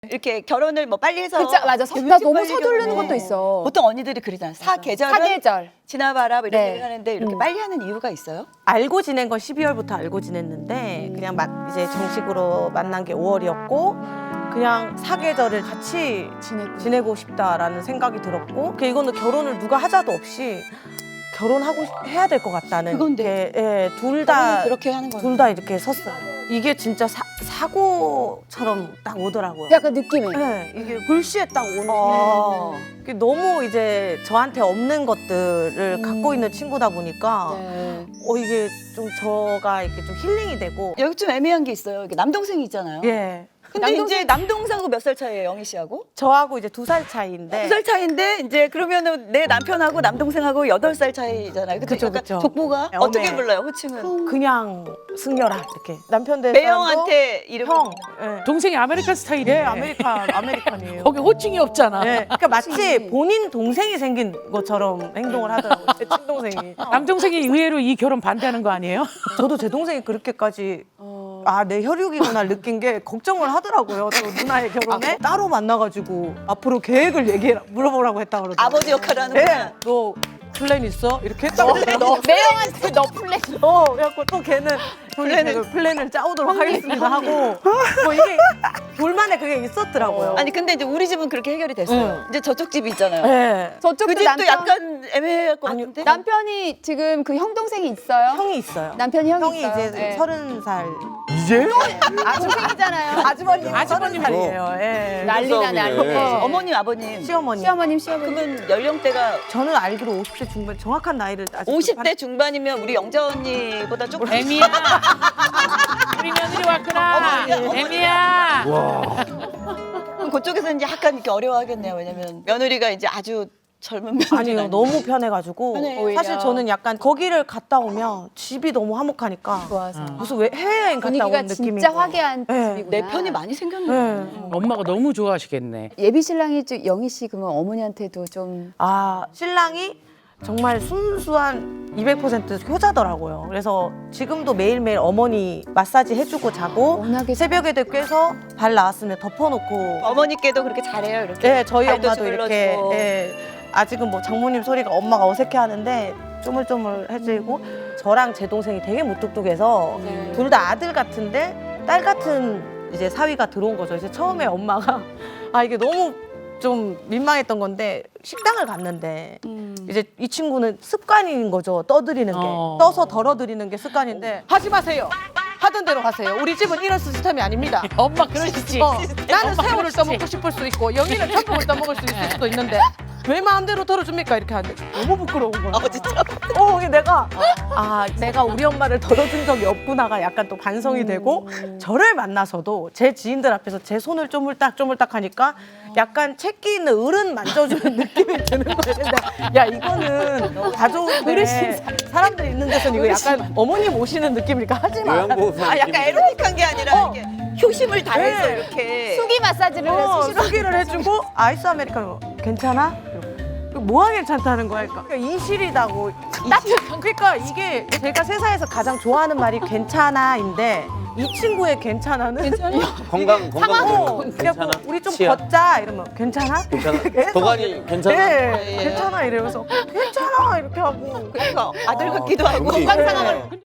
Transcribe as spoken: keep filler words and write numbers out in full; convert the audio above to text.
이렇게 결혼을 뭐 빨리 해서 그쵸, 맞아. 서- 나 너무 서두르는 것도 있어. 보통 언니들이 그러잖아요. 사계절은 사계절. 지나봐라 뭐 이런 네. 얘기를 하는데 이렇게 음. 빨리 하는 이유가 있어요? 알고 지낸 건 십이월부터 알고 지냈는데 그냥 막 이제 정식으로 만난 게 오월이었고 그냥 사계절을 같이 지내고. 지내고 싶다라는 생각이 들었고 그 이거는 결혼을 누가 하자도 없이 결혼하고 싶- 해야 될 것 같다는 그건데. 예, 둘 다 그렇게 하는 거예요. 둘 다 이렇게 섰어요. 이게 진짜 사, 사고처럼 딱 오더라고요. 약간 느낌이. 네, 이게 글씨에 딱 오는 어. 게 너무 이제 저한테 없는 것들을 음. 갖고 있는 친구다 보니까 네. 어 이게 좀 저가 이렇게 좀 힐링이 되고 여기 좀 애매한 게 있어요. 이게 남동생이 있잖아요. 예 근데 남동생- 이제 남동생하고 몇 살 차이예요, 영희 씨하고? 저하고 이제 두 살 차이인데 두 살 차이인데 이제 그러면은 내 남편하고 남동생하고 여덟 살 차이잖아요. 근데 그쵸, 약간 그쵸. 족보가 네, 어떻게 어메. 불러요, 호칭은? 그냥 승려라 이렇게 남편 된 매형한테 이름 형 예. 동생이 아메리칸 스타일이에요. 예, 아메리칸 아메리칸이에요. 거기 호칭이 없잖아. 예, 그러니까 마치 본인 동생이 생긴 것처럼 행동을 하더라고요. 제 친동생이. 남동생이 의외로 이 결혼 반대하는 거 아니에요? 저도 제 동생이 그렇게까지 어. 아 내 혈육이구나 느낀 게 걱정을 하더라고요. 저 누나의 결혼에 따로 만나가지고 앞으로 계획을 얘기해 물어보라고 했다 그러더라고요. 아버지 역할을 하는구나. 네, 너 플랜 있어? 이렇게 했다고 너 매형한테 너 플랜. 어, 그래갖고 또 걔는 플랜을 플랜을 짜오도록 하겠습니다 하고 뭐 이게 둘만의 그게 있었더라고요. 아니 근데 이제 우리 집은 그렇게 해결이 됐어요. 응. 이제 저쪽 집이 있잖아요. 네. 저쪽도 그 집도 남편, 약간 애매할 것 아니요. 같은데. 남편이 지금 그 형 동생이 있어요. 형이 있어요. 남편이 형이, 형이 있어요. 이제 네. 서른 살 이제? 동생이잖아요. 아주머님 아주머님. 서른 살이에요. 예. 난리나 싸움이네. 난리. 네. 어머님, 아버님. 시어머니. 시어머님 시어머님. 그러면 연령대가 저는 알기로 오십 대 중반 정확한 나이를 아직 오십 대 중반이면 우리 영자 언니보다 조금 애미야. 우리 며느리 왔구나. 어머니, 어머니. 애미야. 와. 그럼 그쪽에서는 약간 이렇게 어려워하겠네요. 왜냐면 며느리가 이제 아주 젊은 며느리 아니요 너무 편해가지고 편해요. 오히려. 사실 저는 약간 거기를 갔다 오면 집이 너무 화목하니까 좋아서. 무슨 왜 해외여행 갔다 분위기가 온 느낌인 진짜 거예요. 화기애애한 네. 집이구나. 내 편이 많이 생겼네. 네. 엄마가 너무 좋아하시겠네. 예비 신랑이 좀 영희 씨 그러면 어머니한테도 좀 아 신랑이 정말 순수한 이백 퍼센트 효자더라고요. 그래서 지금도 매일매일 어머니 마사지 해주고 자고 워낙에 새벽에도 깨서 발 나왔으면 덮어놓고 어머니께도 그렇게 잘해요. 이렇게. 네, 저희 발도 엄마도 이렇게 주물러주고. 예, 아직은 뭐 장모님 소리가 엄마가 어색해하는데 쪼물쪼물해지고 저랑 제 동생이 되게 무뚝뚝해서 네. 둘 다 아들 같은데 딸 같은 이제 사위가 들어온 거죠. 이제 처음에 엄마가 아 이게 너무 좀 민망했던 건데 식당을 갔는데 음. 이제 이 친구는 습관인 거죠. 떠드리는 게 어. 떠서 덜어드리는 게 습관인데 하지 마세요. 하던 대로 하세요. 우리 집은 이런 시스템이 아닙니다. 엄마 그러시지. 어, 나는 엄마 새우를 그러시지. 떠먹고 싶을 수 있고 영희는 참돔을 떠먹을 수 있을 수도 있는데 왜 마음대로 덜어줍니까 이렇게 하는데 너무 부끄러운 거야. 어, 진짜. 어, 이게 내가 아 내가 우리 엄마를 덜어준 적이 없구나가 약간 또 반성이 되고 저를 만나서도 제 지인들 앞에서 제 손을 쪼물딱 쪼물딱 하니까 약간 채기 있는 어른 만져주는 느낌이 드는 거예요. 근데 야 이거는 가족인데 사람들 있는 데서는 이거 약간 어머님 오시는 느낌이니까 하지 마. 요양보호사 아, 약간 에로틱한 게 아니라 어. 이렇게 효심을 다해서 네. 이렇게. 수기 마사지를 어, 수시로 수기를 해주고 아이스 아메리카노 괜찮아? 이러고. 뭐가 괜찮다는 거야? 그러니까 이실이다고. 그러니까 이게 제가 세상에서 가장 좋아하는 말이 괜찮아인데 이 친구의 괜찮아는 건강 건강 어, 괜찮아? 그래갖고 우리 좀 치아? 걷자 이러면 괜찮아? 괜찮아? 계속 도가니 괜찮아? 네, 예. 괜찮아 이러면서 괜찮아 이렇게 하고 그러니까 아들 아, 같기도 하고. 경기. 상상하면